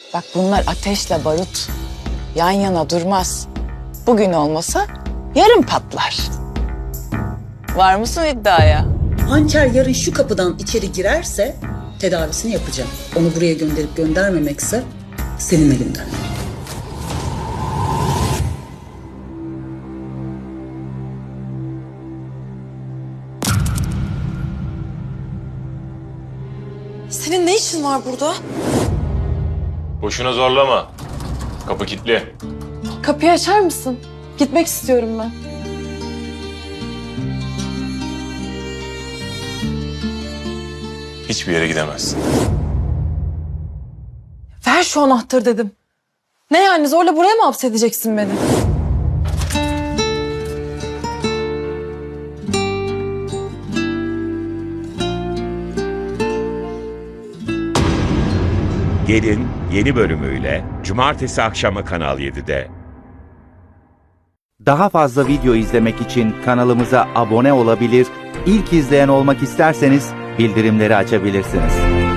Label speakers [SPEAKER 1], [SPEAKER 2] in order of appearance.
[SPEAKER 1] Bak bunlar ateşle barut. Yan yana durmaz. Bugün olmasa yarın patlar. Var mısın iddiaya?
[SPEAKER 2] Hançer yarın şu kapıdan içeri girerse tedavisini yapacağım. Onu buraya gönderip göndermemekse senin elinden.
[SPEAKER 3] Senin ne işin var burada?
[SPEAKER 4] Boşuna zorlama. Kapı kilitli.
[SPEAKER 3] Kapıyı açar mısın? Gitmek istiyorum ben.
[SPEAKER 4] Hiçbir yere gidemezsin.
[SPEAKER 3] Ver şu anahtarı dedim. Ne yani zorla buraya mı hapsedeceksin beni?
[SPEAKER 5] Gelin yeni bölümüyle Cumartesi akşamı Kanal 7'de.
[SPEAKER 6] Daha fazla video izlemek için kanalımıza abone olabilir, ilk izleyen olmak isterseniz bildirimleri açabilirsiniz.